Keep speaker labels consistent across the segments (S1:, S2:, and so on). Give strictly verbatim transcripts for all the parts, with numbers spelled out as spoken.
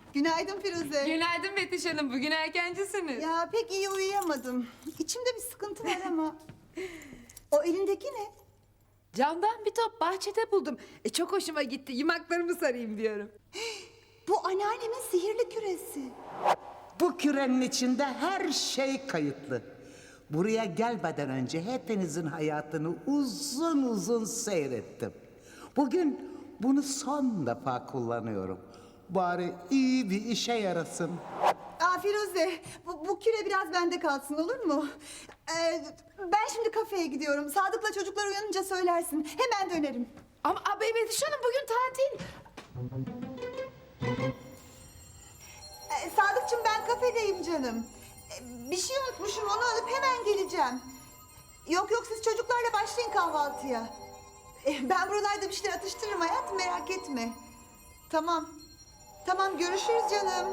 S1: Günaydın Firuze.
S2: Günaydın Betüş Hanım. Bugün erkencisiniz.
S1: Ya pek iyi uyuyamadım. İçimde bir sıkıntı var ama. O elindeki ne?
S2: Camdan bir top bahçede buldum. E, çok hoşuma gitti. Yumaklarımı sarayım diyorum.
S1: Bu anneannemin sihirli küresi.
S3: Bu kürenin içinde her şey kayıtlı. Buraya gelmeden önce hepinizin hayatını uzun uzun seyrettim. Bugün bunu son defa kullanıyorum. Bari iyi bir işe yarasın.
S1: Aa Firuze, bu, bu küre biraz bende kalsın olur mu? Ee, ben şimdi kafeye gidiyorum. Sadık'la çocuklar uyanınca söylersin. Hemen dönerim.
S2: Ama abi Betüş Hanım bugün tatil.
S1: Ee, Sadıkçım ben kafedeyim canım. Ee, bir şey unutmuşum onu alıp hemen geleceğim. Yok yok siz çocuklarla başlayın kahvaltıya. Ee, ben buralarda bir şeyler atıştırırım hayatım merak etme. Tamam. Tamam görüşürüz canım.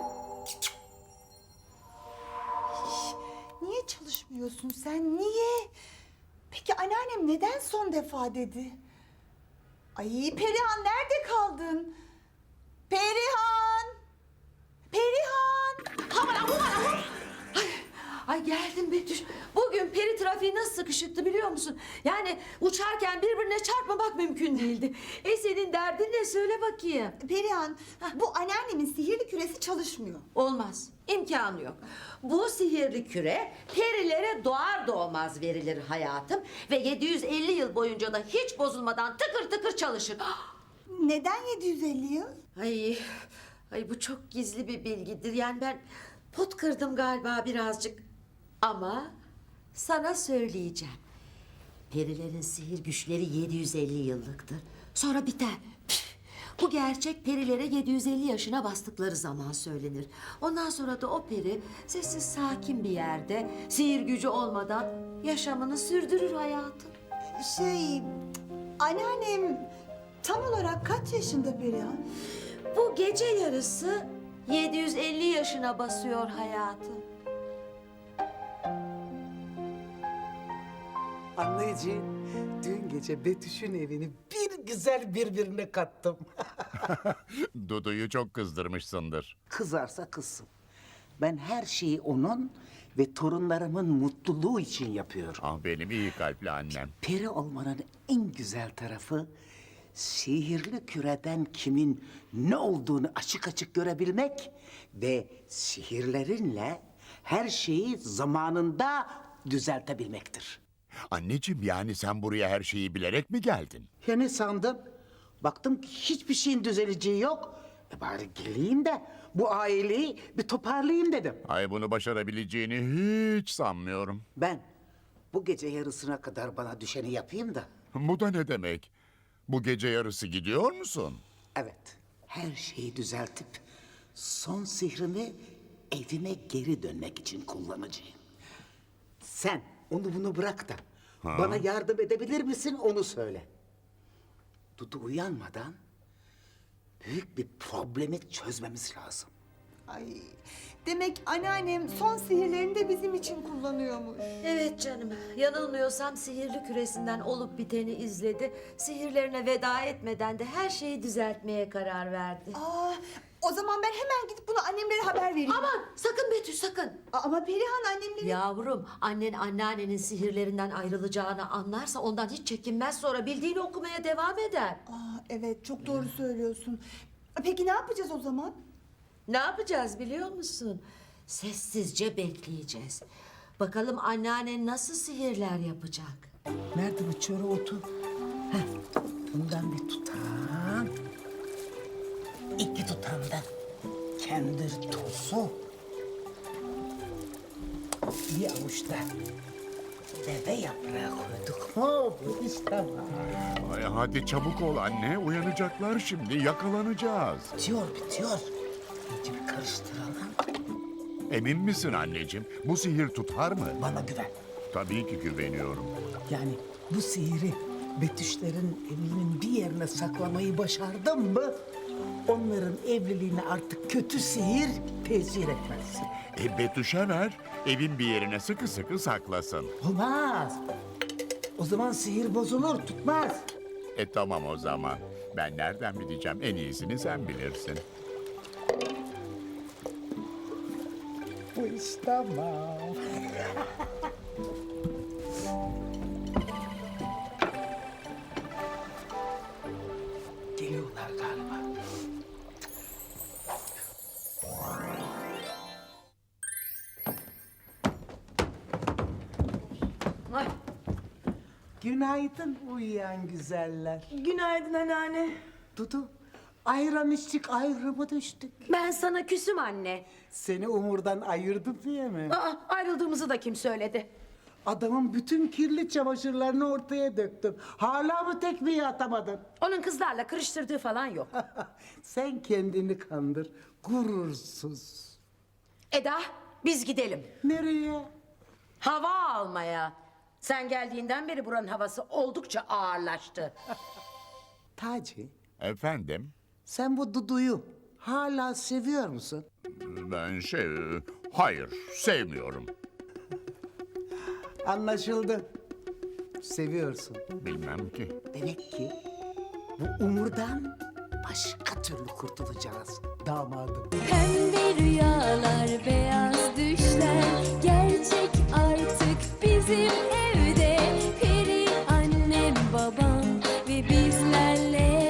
S1: Niye çalışmıyorsun sen? Niye? Peki anneannem neden son defa dedi? Ay Perihan nerede kaldın? Perihan! Perihan!
S4: Aman aman aman! Ay, ay geldim Betüş. Bugün peri trafiği nasıl sıkışıktı biliyor musun? Yani uçarken birbirine çarpmamak mümkün değildi. E senin derdin ne söyle bakayım.
S1: Perihan, bu anneannemin sihirli küresi çalışmıyor.
S4: Olmaz. İmkanı yok. Bu sihirli küre perilere doğar doğmaz verilir hayatım. Ve yedi yüz elli yıl boyunca da hiç bozulmadan tıkır tıkır çalışır.
S1: Neden yedi yüz elli yıl?
S4: Ay, ay bu çok gizli bir bilgidir. Yani ben pot kırdım galiba birazcık. Ama sana söyleyeceğim. Perilerin sihir güçleri yedi yüz elli yıllıktır. Sonra biter. Püf! Bu gerçek perilere yedi yüz elli yaşına bastıkları zaman söylenir. Ondan sonra da o peri sessiz sakin bir yerde sihir gücü olmadan yaşamını sürdürür hayatım.
S1: Şey, anneannem tam olarak kaç yaşında Perihan?
S4: Bu gece yarısı yedi yüz elli yaşına basıyor hayatım.
S3: Anneciğim, dün gece Betüş'ün evini bir güzel birbirine kattım.
S5: Dudu'yu çok kızdırmışsındır.
S3: Kızarsa kızsın. Ben her şeyi onun ve torunlarımın mutluluğu için yapıyorum.
S5: Ah benim iyi kalpli annem.
S3: Peri olmanın en güzel tarafı sihirli küreden kimin ne olduğunu açık açık görebilmek ve sihirlerinle her şeyi zamanında düzeltebilmektir.
S5: Anneciğim yani sen buraya her şeyi bilerek mi geldin?
S3: Ya ne sandın? Baktım ki hiçbir şeyin düzeleceği yok. E bari geleyim de bu aileyi bir toparlayayım dedim.
S5: Ay bunu başarabileceğini hiç sanmıyorum.
S3: Ben bu gece yarısına kadar bana düşeni yapayım da.
S5: Bu da ne demek? Bu gece yarısı gidiyor musun?
S3: Evet, her şeyi düzeltip son sihrimi evime geri dönmek için kullanacağım. Sen onu bunu bırak da bana yardım edebilir misin onu söyle. Dudu uyanmadan büyük bir problemi çözmemiz lazım.
S1: Ay, demek anneannem son sihirlerini de bizim için kullanıyormuş.
S4: Evet canım, yanılmıyorsam sihirli küresinden olup biteni izledi. Sihirlerine veda etmeden de her şeyi düzeltmeye karar verdi.
S1: Aa, o zaman ben hemen gidip bunu annemlere haber vereyim.
S4: Aman sakın Betüş sakın.
S1: Aa, ama Perihan annemleri...
S4: Yavrum, annen anneannenin sihirlerinden ayrılacağını anlarsa ondan hiç çekinmez, sonra bildiğini okumaya devam eder.
S1: Aa, evet çok doğru söylüyorsun. Peki ne yapacağız o zaman?
S4: Ne yapacağız biliyor musun? Sessizce bekleyeceğiz. Bakalım anneannen nasıl sihirler yapacak.
S3: Nerede bu çöre otu? Heh, bundan bir tutam. İki tutam da kendir tozu. Bir avuç da deve yaprağı koyduk mu bu iş tamam.
S5: Ay hadi çabuk ol anne, uyanacaklar şimdi, yakalanacağız.
S3: Bitiyor bitiyor. İyice bir karıştıralım.
S5: Emin misin anneciğim? Bu sihir tutar mı?
S3: Bana güven.
S5: Tabii ki güveniyorum.
S3: Yani bu sihiri Betüşlerin evinin bir yerine saklamayı başardım mı... ...onların evliliğine artık kötü sihir tesir etmez.
S5: E Betüş'e ver, evin bir yerine sıkı sıkı saklasın.
S3: Olmaz. O zaman sihir bozulur, tutmaz.
S5: E tamam o zaman. Ben nereden bileceğim? En iyisini sen bilirsin.
S3: Bu iş tamam. Geliyorlar galiba.
S2: Ay,
S3: Günaydın uyuyan güzeller.
S6: Günaydın anneanne.
S3: Dudu, ayran içtik ayrımı düştük.
S6: Ben sana küsüm anne.
S3: Seni Umur'dan ayırdım diye mi?
S6: Aa, ayrıldığımızı da kim söyledi?
S3: Adamın bütün kirli çamaşırlarını ortaya döktüm. Hala mı tekmeyi atamadın?
S6: Onun kızlarla kırıştırdığı falan yok.
S3: Sen kendini kandır, gurursuz.
S6: Eda, biz gidelim.
S3: Nereye?
S6: Hava almaya. Sen geldiğinden beri buranın havası oldukça ağırlaştı.
S3: Taci,
S5: Efendim?
S3: sen bu Dudu'yu hala seviyor musun?
S5: Ben şey... Hayır, sevmiyorum.
S3: Anlaşıldı. Seviyorsun.
S5: Bilmem ki.
S3: Demek ki bu Umur'dan başka türlü kurtulacağız damadım.
S7: Pembe rüyalar, beyaz düşler gerçek artık bizim evde. Peri annem, babam ve bizlerle